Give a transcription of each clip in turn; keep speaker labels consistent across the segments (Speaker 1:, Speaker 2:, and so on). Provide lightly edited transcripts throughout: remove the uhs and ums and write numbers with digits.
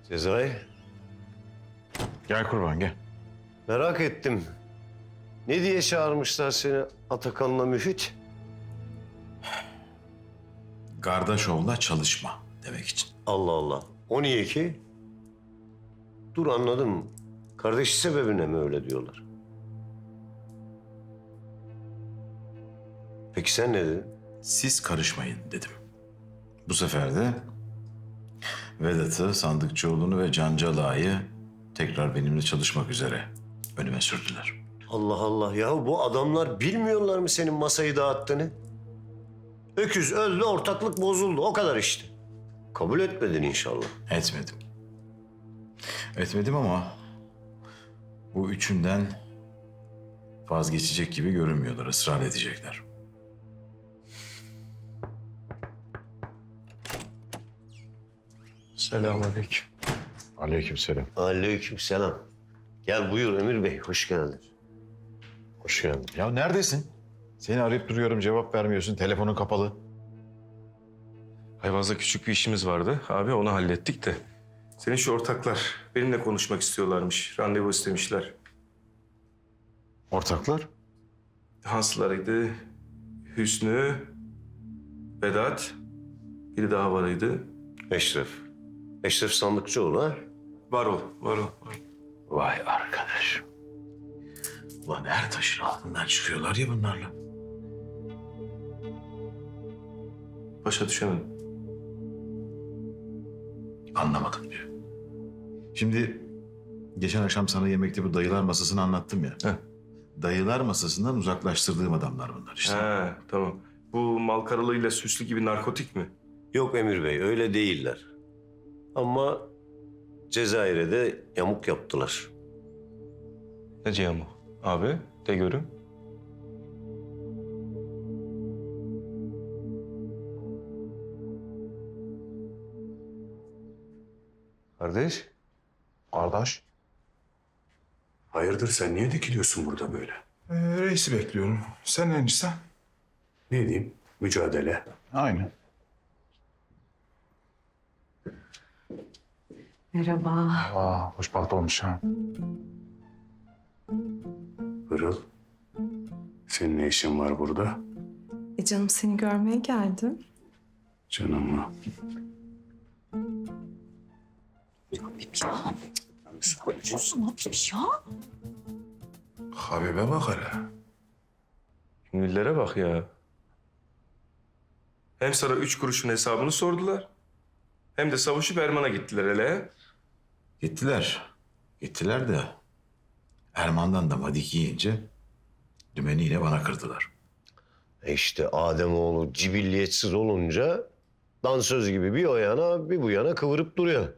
Speaker 1: Sezai,
Speaker 2: Gel kurban gel.
Speaker 1: merak ettim. Ne diye çağırmışlar seni Atakan'la Müfit?
Speaker 2: Kardeşoğlu'na çalışma demek için.
Speaker 1: Allah Allah. O niye ki? Dur anladım. Kardeşi sebebine mi öyle diyorlar? Peki sen ne dedin?
Speaker 2: Siz karışmayın dedim. Bu sefer de Vedat'ı, Sandıkçıoğlu'nu ve Cancala'yı tekrar benimle çalışmak üzere önüme sürdüler.
Speaker 1: Allah Allah ya bu adamlar bilmiyorlar mı senin masayı dağıttığını? Öküz öldü, ortaklık bozuldu. O kadar işte. Kabul etmedin inşallah.
Speaker 2: Etmedim. Etmedim ama bu üçünden vazgeçecek gibi görünmüyorlar, ısrar edecekler.
Speaker 3: Selamünaleyküm.
Speaker 2: Aleykümselam.
Speaker 1: Aleykümselam. Gel buyur Emir Bey, hoş geldin.
Speaker 2: Hoş geldin. Ya neredesin? Seni arayıp duruyorum, cevap vermiyorsun. Telefonun kapalı.
Speaker 3: Ayvaz'da küçük bir işimiz vardı. Abi onu hallettik de. Senin şu ortaklar benimle konuşmak istiyorlarmış. Randevu istemişler.
Speaker 2: Ortaklar?
Speaker 3: Hanslarıydı. Hüsnü, Vedat. Biri daha varıydı.
Speaker 1: Eşref. Eşref Sandıkçıoğlu ha?
Speaker 3: Varol.
Speaker 2: Vay arkadaş. Ulan her taşın altından çıkıyorlar ya bunlarla.
Speaker 3: Başa düşemedim.
Speaker 2: Anlamadım diyor. Şimdi geçen akşam sana yemekte bu dayılar masasını anlattım ya.
Speaker 3: Heh.
Speaker 2: Dayılar masasından uzaklaştırdığım adamlar bunlar işte.
Speaker 3: He, tamam. Bu mal karalığıyla süslü gibi narkotik mi?
Speaker 1: Yok Emir Bey, öyle değiller. Ama Cezayir'e de yamuk yaptılar.
Speaker 3: Ne Cihan bu? Abi de görüm.
Speaker 4: Kardeş,
Speaker 5: Kardeş.
Speaker 4: hayırdır sen niye dikiliyorsun burada böyle?
Speaker 5: Reisi bekliyorum. Sen enişte?
Speaker 4: Ne diyeyim? Mücadele.
Speaker 5: Aynen.
Speaker 6: Merhaba.
Speaker 5: Aa, hoş baht olmuş ha.
Speaker 4: Pırıl. Senin ne işin var burada?
Speaker 6: Canım seni görmeye geldim.
Speaker 4: Canım mı?
Speaker 6: Habib ya. Yapıyorsun Habib ya.
Speaker 5: Habibe bak hele.
Speaker 3: Ünlülere bak ya. Hem sana 3 kuruşun hesabını sordular. Hem de savuşup Erman'a gittiler hele.
Speaker 2: Gittiler. Gittiler de Erman'dan da madik yiyince dümeni yine bana kırdılar.
Speaker 1: İşte Ademoğlu cibilliyetsiz olunca dansöz gibi bir o yana bir bu yana kıvırıp duruyor.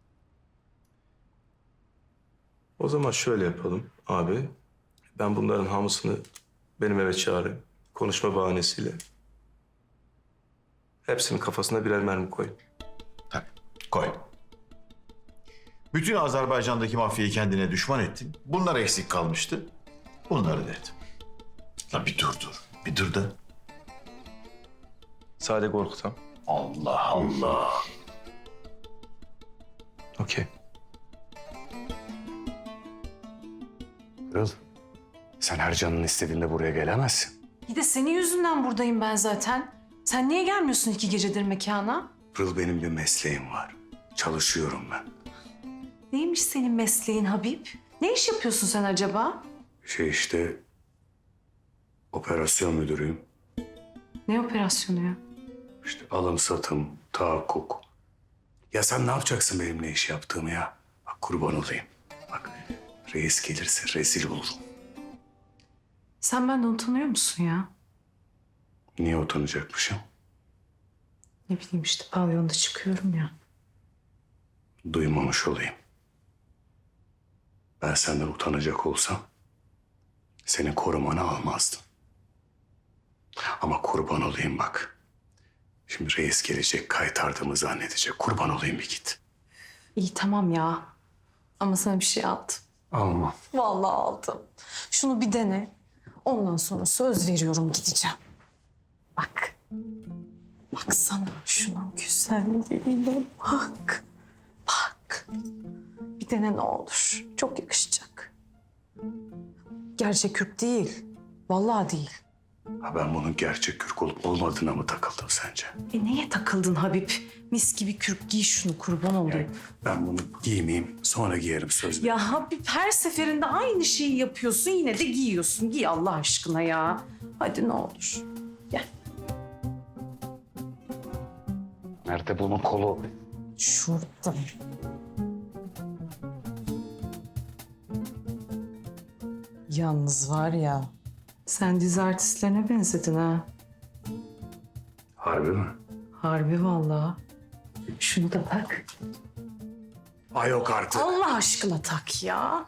Speaker 3: O zaman şöyle yapalım abi. Ben bunların hamısını benim eve çağırayım. Konuşma bahanesiyle. Hepsinin kafasına birer mermi koy.
Speaker 2: Tabii, koy. Bütün Azerbaycan'daki mafyayı kendine düşman ettin. Bunlar eksik kalmıştı. Bunları dedim. La bir dur. Bir dur da.
Speaker 3: Sade korkutam.
Speaker 2: Allah Allah.
Speaker 3: Okey.
Speaker 4: Pırıl. Sen her canın istediğinde buraya gelemezsin.
Speaker 6: Bir de senin yüzünden buradayım ben zaten. Sen niye gelmiyorsun 2 gecedir mekana?
Speaker 4: Pırıl benim bir mesleğim var. Çalışıyorum ben.
Speaker 6: Neymiş senin mesleğin Habib? Ne iş yapıyorsun sen acaba?
Speaker 4: İşte operasyon müdürüyüm.
Speaker 6: Ne operasyonu ya?
Speaker 4: İşte alım satım, tahakkuk. Ya sen ne yapacaksın benim ne iş yaptığımı ya? Bak kurban olayım. Bak reis gelirse rezil olurum.
Speaker 6: Sen benden utanıyor musun ya?
Speaker 4: Niye utanacakmışım?
Speaker 6: Ne bileyim işte pavyonda çıkıyorum ya.
Speaker 4: Duymamış olayım. Ben senden utanacak olsam senin korumanı almazdım. Ama kurban olayım bak. Şimdi reis gelecek, kaytardığımı zannedecek. Kurban olayım bir git.
Speaker 6: İyi tamam ya. Ama sana bir şey aldım.
Speaker 4: Alma.
Speaker 6: Vallahi aldım. Şunu bir dene. Ondan sonra söz veriyorum gideceğim. Bak. Baksana şunun güzelliğine bak. Bak. Bir dene ne olur. Çok yakışacak. Gerçek kürk değil. Vallahi değil.
Speaker 4: Ha, ben bunun gerçek kürk olup olmadığına mı takıldım sence?
Speaker 6: Neye takıldın Habib? Mis gibi kürk giy şunu kurban olayım.
Speaker 4: Ben bunu giymeyeyim, sonra giyerim söz veriyorum.
Speaker 6: Ya Habib her seferinde aynı şeyi yapıyorsun yine de giyiyorsun. Giy Allah aşkına ya. Hadi ne olur. Gel.
Speaker 4: Nerede bunun kolu?
Speaker 6: Şurada. Yalnız var ya, sen dizi artistlerine benzedin ha.
Speaker 4: Harbi mi?
Speaker 6: Harbi vallahi. Şunu da tak.
Speaker 4: Ay yok artık.
Speaker 6: Allah aşkına tak ya.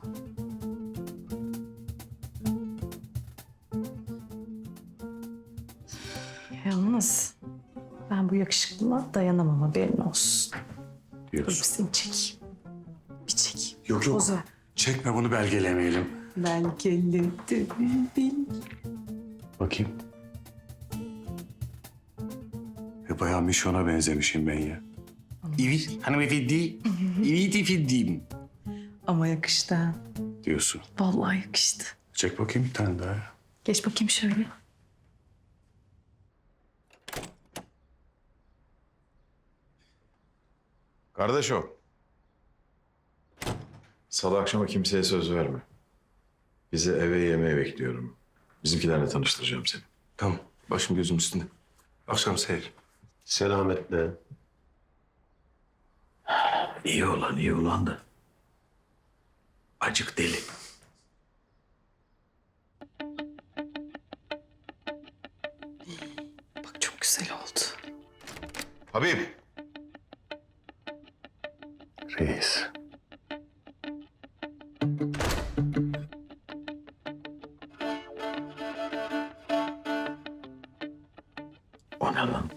Speaker 6: Yalnız ben bu yakışıklılığa dayanamam haberin olsun. Dur bir
Speaker 4: Diyorsun.
Speaker 6: seni çekeyim. Bir çekeyim.
Speaker 4: Yok yok.
Speaker 6: Poz ver.
Speaker 4: Çekme bunu, belgelemeyelim.
Speaker 6: Belgeledim.
Speaker 4: Bakayım. Bayağı Mişon'a benzemişim ben ya. Evet hanımefendi. Evet efendim.
Speaker 6: Ama yakıştı ha.
Speaker 4: Diyorsun.
Speaker 6: Vallahi yakıştı.
Speaker 4: Çek bakayım bir tane daha.
Speaker 6: Geç bakayım şöyle.
Speaker 2: Kardeş o. Salı akşama kimseye söz verme. Bizi eve yemeğe bekliyorum. Bizimkilerle tanıştıracağım seni.
Speaker 3: Tamam. Başım gözüm üstünde. Akşam seyir.
Speaker 1: Selametle.
Speaker 2: İyi olan da. Acık deli.
Speaker 6: Bak çok güzel oldu.
Speaker 2: Habib.
Speaker 4: Reis.
Speaker 2: O ne lan?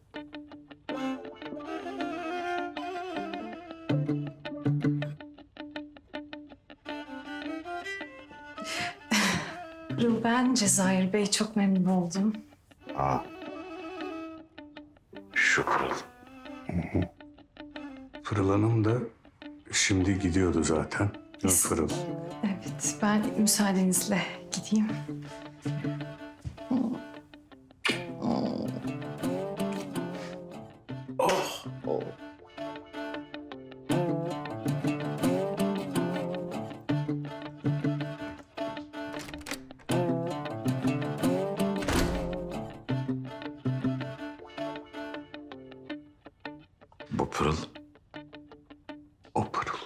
Speaker 6: Ben Cezayir Bey çok memnun oldum.
Speaker 2: Şükür.
Speaker 4: Pırıl Hanım da şimdi gidiyordu zaten. Pırıl.
Speaker 6: Evet ben müsaadenizle gideyim.
Speaker 2: Bu Pırıl,
Speaker 4: O Pırıl.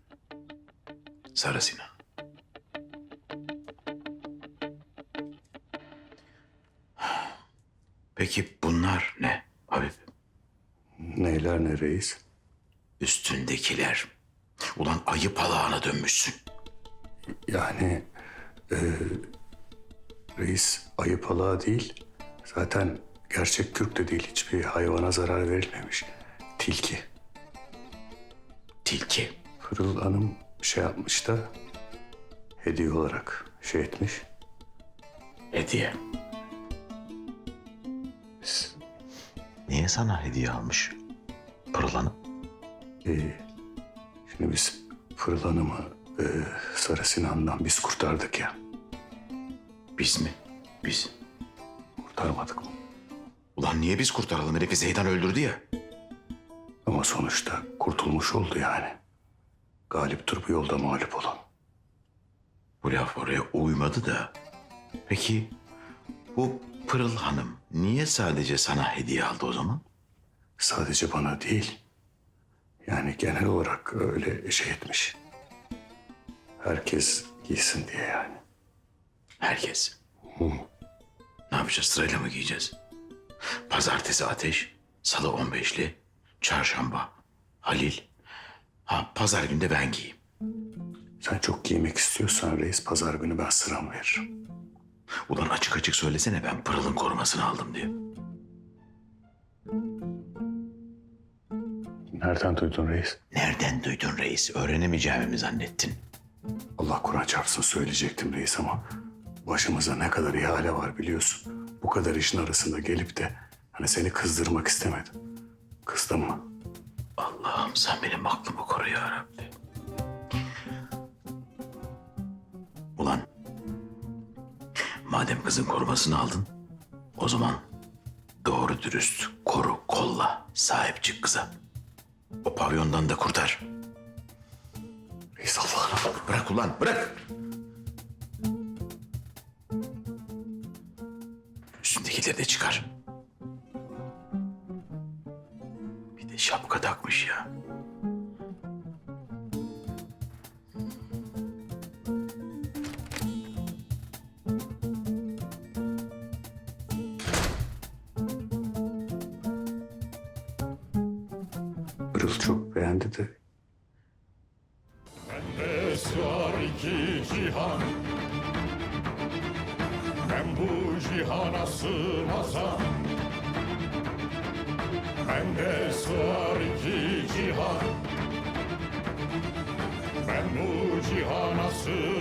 Speaker 2: Sarı Sinan. Peki bunlar ne Habib?
Speaker 4: Neyler ne reis?
Speaker 2: Üstündekiler. Ulan ayı palağına dönmüşsün.
Speaker 4: Yani reis ayı palağı değil. Zaten gerçek kürk de değil. Hiçbir hayvana zarar verilmemiş. Tilki.
Speaker 2: Tilki.
Speaker 4: Pırıl Hanım şey yapmış da hediye olarak şey etmiş.
Speaker 2: Hediye. Niye sana hediye almış Pırıl Hanım?
Speaker 4: Şimdi biz Pırıl Hanım'ı Sarı Sinan'dan biz kurtardık ya.
Speaker 2: Biz mi? Biz.
Speaker 4: Kurtarmadık mı?
Speaker 2: Ulan niye biz kurtaralım? Herifi Zeydan öldürdü ya.
Speaker 4: Ama sonuçta kurtulmuş oldu yani. Galiptir bu yolda mağlup olan.
Speaker 2: Bu laf oraya uymadı da. Peki bu Pırıl Hanım niye sadece sana hediye aldı o zaman?
Speaker 4: Sadece bana değil. Yani genel olarak öyle şey etmiş. Herkes giysin diye yani.
Speaker 2: Herkes. Ne yapacağız? Sırayla mı giyeceğiz? Pazartesi Ateş, Salı 15'li, Çarşamba Halil. Ha pazar günü de ben giyeyim.
Speaker 4: Sen çok giymek istiyorsan reis pazar günü ben sıram veririm.
Speaker 2: Ulan açık açık söylesene ben Pırıl'ın korumasını aldım diye.
Speaker 4: Nereden duydun reis?
Speaker 2: Nereden duydun reis? Öğrenemeyeceğimi mi zannettin?
Speaker 4: Allah Kur'an çarpsın söyleyecektim reis ama başımıza ne kadar ihale var biliyorsun. Bu kadar işin arasında gelip de hani seni kızdırmak istemedim. Kızdın mı?
Speaker 2: Allah'ım sen benim aklımı koru ya Rabbi. Ulan madem kızın korumasını aldın, o zaman doğru dürüst koru, kolla, sahip çık kıza. O pavyondan da kurtar.
Speaker 4: Reis Allah'ım.
Speaker 2: Bırak ulan, bırak. Üstündekileri de çıkar. Bir de şapka takmış ya.
Speaker 4: Pırıl çok beğendi de.
Speaker 7: Sığar iki cihan, ben bu cihana sığmazam. Bende sığar iki cihan, ben bu cihana sığmazam.